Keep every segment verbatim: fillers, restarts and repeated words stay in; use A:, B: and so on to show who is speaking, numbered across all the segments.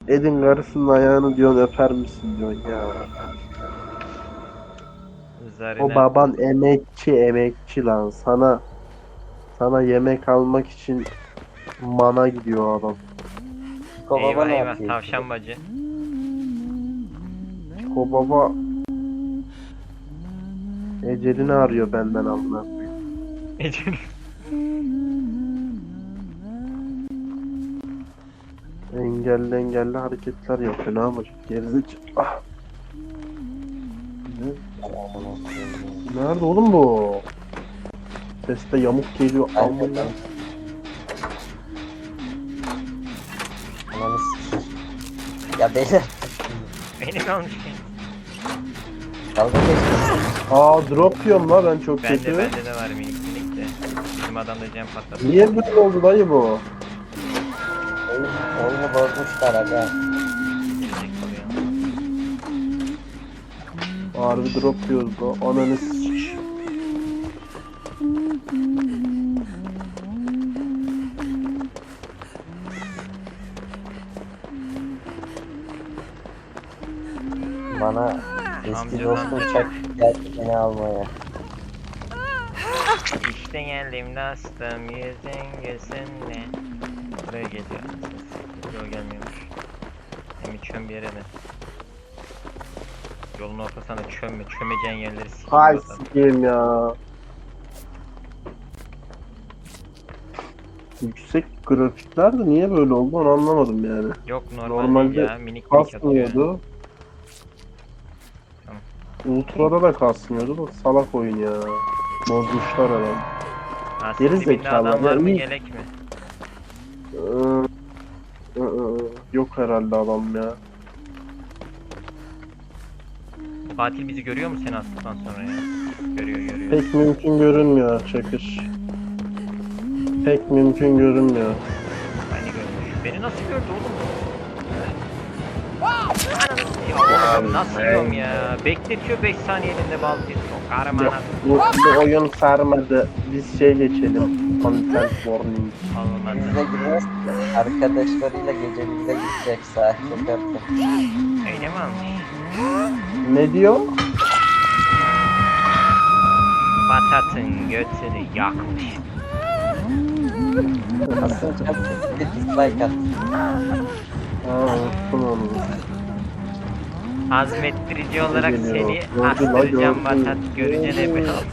A: Edin karısının ayağını diyorsun, öper misin diyorsun ya. O
B: Zarina
A: baban emekçi emekçi lan. Sana sana yemek almak için mana gidiyor adam.
C: Piko baba
B: eyvah
C: ne
B: eyvah
C: yapıyor?
B: tavşan bacı.
A: O baba ecelini arıyor benden amına.
B: Ecel.
A: Engelli engelli hareketler yapıyor. Ne yapacak? Gerizekalı. Ah. Ne? Nerede oğlum bu? Seste yamuk geliyor. Amına.
C: Ananı sikeyim. Ya beyler
B: Beni kalmış ki.
C: dalga geçmesin.
A: Aa drop yiyorum la ben çok
B: Bende
A: kötü.
B: bende de var minik minik de. Bizim adam da cam patladı.
A: Niye böyle oldu dayı bu?
C: Oyun, oyunu bozmuşlar aga.
B: Gelecek oluyor.
A: Harbi drop yiyoruz la. Ananı s***.
C: Bana eski
B: Amcadan
C: dostum
B: da-
C: çak geldi beni almaya.
B: İşte geldim dostum yüzün gözünle. Buraya geliyor. Yok gelmiyormuş. Hem çöm bir yere de. Yolun ortasına çömme. Çömeceğin yerleri sikeyim.
A: Hay
B: zaten.
A: sikeyim ya. Yüksek grafikler de niye böyle oldu onu anlamadım yani.
B: Yok normal
A: Normalde
B: değil ya. Minik minik atıyor.
A: Kasmıyordu.
B: Tamam.
A: Ultra'da da kasmıyordu da salak oyun ya. Bozmuşlar adam.
B: Aslında
A: Geri
B: dibinde
A: zekalı,
B: adam var mı
A: yani-
B: gelek mi?
A: Ee, ı-ı, Yok herhalde adam ya.
B: Fatih bizi görüyor mu seni attıktan sonra ya? Görüyor görüyor.
A: Pek mümkün görünmüyor Çakır. Pek mümkün görünmüyor.
B: Beni görmüş. Beni nasıl gördü oğlum? Ananı ya oğlum nasıl yiyorum ya? Bekletiyor beş saniye elinde baltayı. Çok karım
A: Yok,
B: anasını.
A: bu, bu oyun sarmadı. Biz şey geçelim. Content warning.
B: Olmadı.
C: Bize girmez ki. Arkadaşlarıyla gece bize gidecek sahil yaparken.
B: Öyle mi almış?
A: Ne diyor?
B: Batatın götünü yakmış.
C: Aslında çok bir dislike at.
A: Aa unuttum onu.
B: Azmettirici olarak
A: geliyor?
B: seni
A: Gördü la,
B: astıracağım
A: gördü.
B: batat görünce de bir al.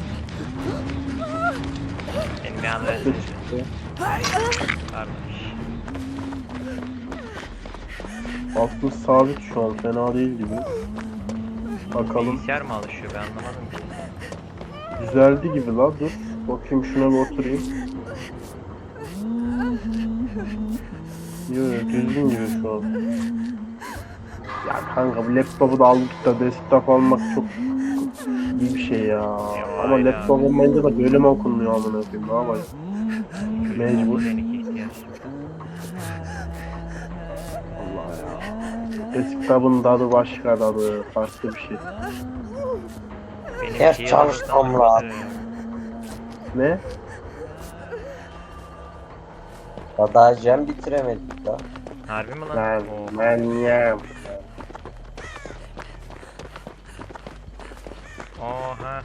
B: Beni bir al versin. Varmış.
A: Aslında sabit şu an fena değil gibi. Bakalım.
B: Bilgisayar mı alışıyor ben anlamadım ki.
A: Düzeldi gibi la dur. Bakayım şuna bir oturayım. Yok düzgün gibi şu an. Ya kanka bu laptopu da aldık da desktop almak çok iyi bir şey ya. Ama
B: aynen.
A: laptop olmayınca da böyle mi okunmuyor amına koyayım, ne yapayım? Mecbur.
B: Seninki ihtiyaç.
A: Allah ya. Desktop'un tadı başka tadı, farklı bir şey.
B: Benim
C: Ders
B: şeyi
C: çalışmam
B: alırsan
C: lazım.
B: kötü.
A: Ne?
C: Ya daha jam bitiremedik la.
B: Harbi mi lan?
A: Ben,
B: Oo.
A: ben ya.
B: Oha.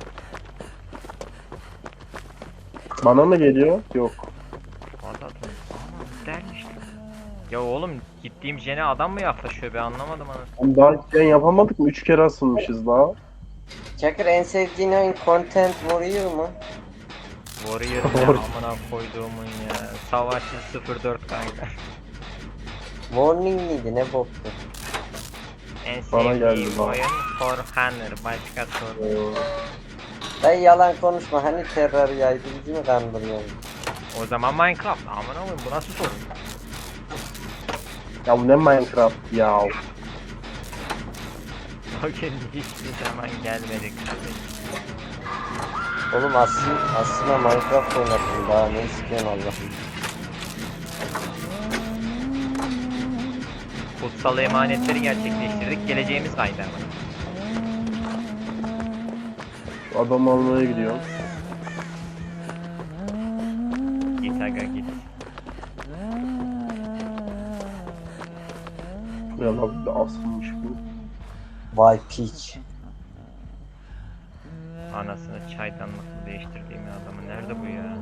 A: Bana mı geliyor? Yok.
B: Batat mı? Aman dermiş. Ya oğlum gittiğim jene adam mı yaklaşıyor be anlamadım onu.
A: Oğlum daha hiç yayın yapamadık mı? Üç kere asılmışız daha.
C: Çakır en sevdiğin oyun Content Warrior mu?
B: Warrior ne amına koyduğumun ya. Savaşçı sıfır dört kanka.
C: Warning miydi ne boktu?
B: En
A: Bana geldi
B: sevdiğim
A: bak.
B: oyun For Honor. Başka soru.
A: Ee,
C: Dayı yalan konuşma hani terör yaydı bizi mi kandırıyorsun?
B: O zaman Minecraft. Amına koyayım bu nasıl soru?
A: Ya bu ne Minecraft ya?
B: O gün hiçbir zaman gelmedi kardeşim.
C: Oğlum aslında, aslında Minecraft oynattım daha ne istiyorsun Allah.
B: Kutsal emanetleri gerçekleştirdik. Geleceğimiz kaydı ama.
A: Şu adam almaya gidiyorum.
B: Git aga git.
A: Ne lan bir de asılmış bu.
C: Vay piç.
B: Anasını çaydanlıkla değiştirdiğim ya adamı. Nerede bu ya?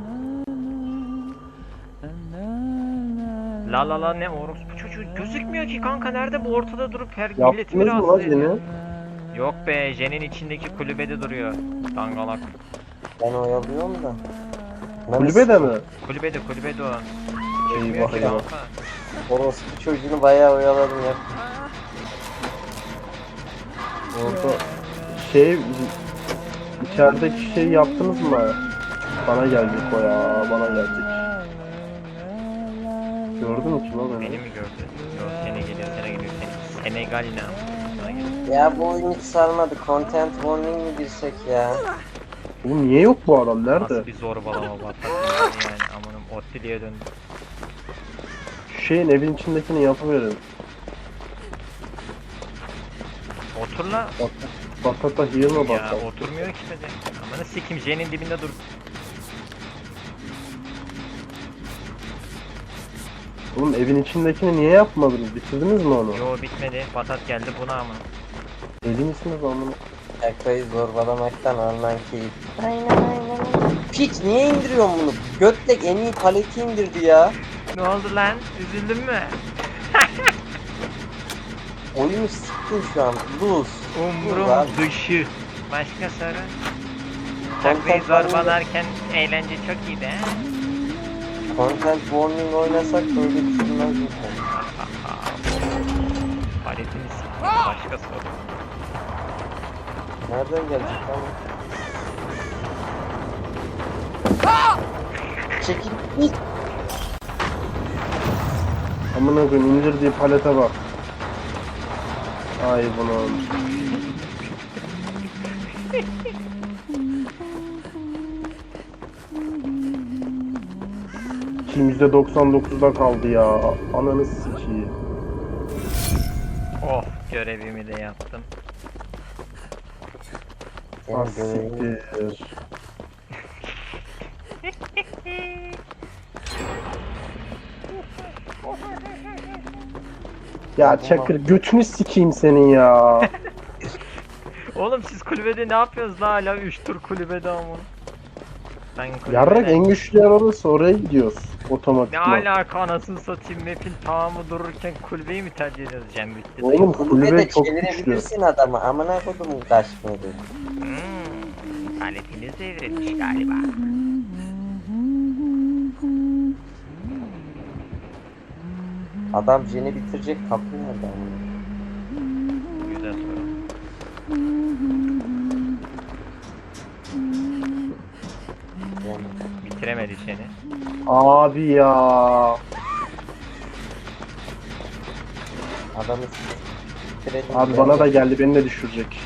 B: La la la ne orospu çocuğu gözükmüyor ki kanka, nerede bu, ortada durup her milleti
A: Yaptınız
B: mi
A: mı lan
B: rahatsız ediyor?
A: yine?
B: Yok be, Jen'in içindeki kulübede duruyor. Dangalak.
C: Ben oyalıyorum da. Lan
A: Kulübede mi?
B: Kulübede kulübede o.
A: Eyvah
B: Çıkmıyor ki
A: eyvah.
B: kanka.
C: Orospu çocuğunu bayağı oyaladım ya.
A: Orada şey içerideki şey yaptınız mı? Bana gelecek o ya, bana gelecek. Gördün mü ki lan beni?
B: Beni mi gördü? Yok, seni geliyor, seni geliyor, seni. Senegal ne? Sana geliyor.
C: Ya bu oyun hiç sarmadı. Content warning mi girsek ya?
A: Oğlum niye yok bu adam? Nerede?
B: Nasıl bir zorbalama batak yani, amanım Ottili'ye döndü.
A: Şu şeyin evin içindekini yapıverin.
B: Otur la.
A: Bak, batata heal'ma
B: Ya
A: bak.
B: oturmuyor ki de. Amanı sikim, Jen'in dibinde dur.
A: Oğlum evin içindekini niye yapmadınız? Bitirdiniz mi onu?
B: Yo bitmedi, patat geldi buna ama.
A: Deli misiniz amına?
C: Şakayı zorbalamaktan alınan keyif. Aynen aynen. Piç niye indiriyorsun bunu? Götlek en iyi paleti indirdi ya.
B: Ne oldu lan? Üzüldün mü?
C: Oyunu siktin şu an. Lose.
B: Umrum
C: Ulan.
B: dışı. Başka soru? Takviye zorbalarken eğlence çok iyiydi he?
C: Content warning oynasak böyle düşünmez misin?
B: Paletini siktim. Başka soru.
C: Nereden gelecek lan? Çekil git.
A: Amına koyayım, indirdiği palete bak. Ay bunu. Kim yüzde doksan dokuzda kaldı ya. Ananı sikeyim.
B: Oh, görevimi de yaptım.
A: Ah
C: Senin görevin
A: siktir. Ya Çakır götünü sikeyim senin ya.
B: Oğlum siz kulübede ne yapıyorsunuz la, hala üç tur kulübede ama. Ben kulübede...
A: Yarrak en güçlü yer orası, oraya gidiyoruz.
B: Ne
A: Otomatikman.
B: alaka, anasını satayım, map'in tamamı dururken kulübeyi mi tercih ediyoruz Cem bitti.
A: Oğlum
C: kulübede
A: kulübe çok güçlü.
C: çevirebilirsin adamı. Amına kodumun kaçmadı.
B: Hmm, paletiniz devrilmiş galiba.
C: Adam jeni bitirecek kapı nerede amına?
B: Güzel soru.
C: Yani.
B: Bitiremedi seni.
A: Abi ya.
C: Adamı bitirelim.
A: Abi bana da geldi, beni de düşürecek.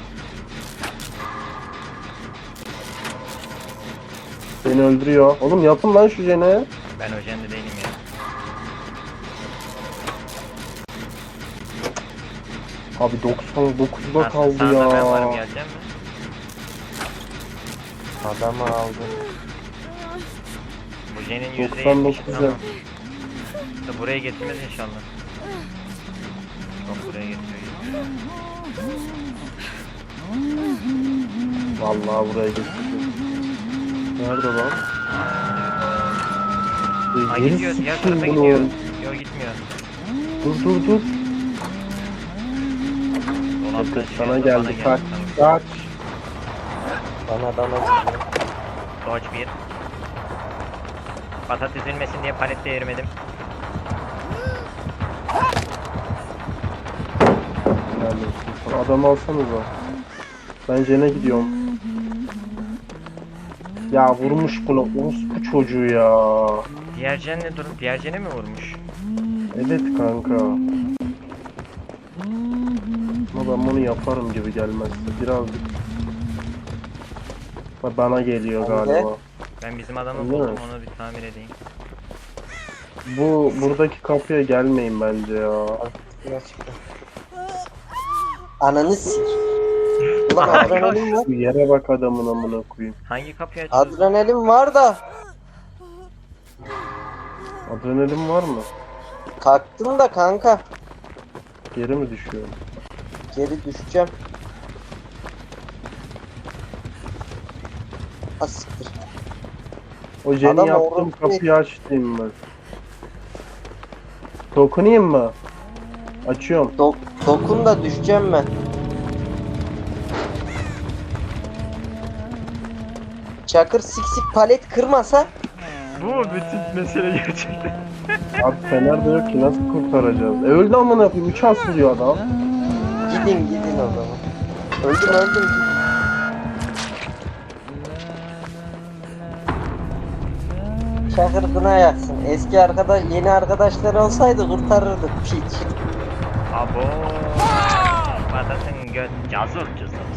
A: Beni öldürüyor. Oğlum yapın lan şu jene.
B: Ben o jende değilim ya.
A: Abi doksan dokuzda
B: Nasıl,
A: kaldı
B: sağda
A: ya.
B: ben varım, gelecek mi?
C: Adamı aldı.
B: Bu jenin yüzde
A: doksan
B: yetmiş
A: dokuz
B: tamam.
A: ya.
B: İşte buraya getirmez inşallah. Çok buraya getiriyor.
A: Vallahi buraya getirdim. Nerede lan?
B: Ay
A: Geri
B: gidiyor, diğer
A: sikeyim
B: tarafa
A: bunu.
B: gidiyor. Yok gitmiyor.
A: Dur dur dur.
B: Dolapta
A: Bakın
B: düşüyor,
A: sana
B: bana
A: geldi. Kaç.
B: Tamam.
A: Kaç.
C: Bana adama çıkıyor.
B: Dodge bir. Patat üzülmesin diye palette yürümedim.
A: Yani adam alsanıza. Ben jene gidiyorum. Ya vurmuş buna orospu çocuğu ya.
B: Diğer jen ne durum? Diğer jene mi vurmuş?
A: Evet kanka. Ama ben bunu yaparım gibi gelmezse birazcık. Bak bana geliyor
C: Ben de.
A: galiba.
B: Ben bizim adamı
A: Öyle
B: buldum,
A: mi?
B: onu bir tamir edeyim.
A: Bu buradaki kapıya gelmeyin bence ya.
C: Altına çıktı. Ananı sik. Ulan adrenalin var.
A: Şu yere bak adamın amına koyayım.
B: Hangi kapıyı açıyoruz?
C: Adrenalin var da.
A: Adrenalin var mı?
C: Kalktım da kanka.
A: Geri mi düşüyorum?
C: Geri düşeceğim. Ha siktir.
A: O Jenny
C: Adam
A: yaptığım
C: orada-
A: kapıyı açtım ben. Dokunayım mı? Açıyorum.
C: Dok dokun da düşeceğim ben. Çakır sik sik palet kırmasa
B: Bu bütün mesele gerçekten.
A: Abi fener de yok ki nasıl kurtaracağız? E öldü amına koyayım. Üç asılıyor adam.
C: gidin gidin o zaman. Öldüm öldüm. Çakır kına yaksın. Eski arkadaş yeni arkadaşlar olsaydı kurtarırdık piç.
B: Abo. Patates göt cazır cazır.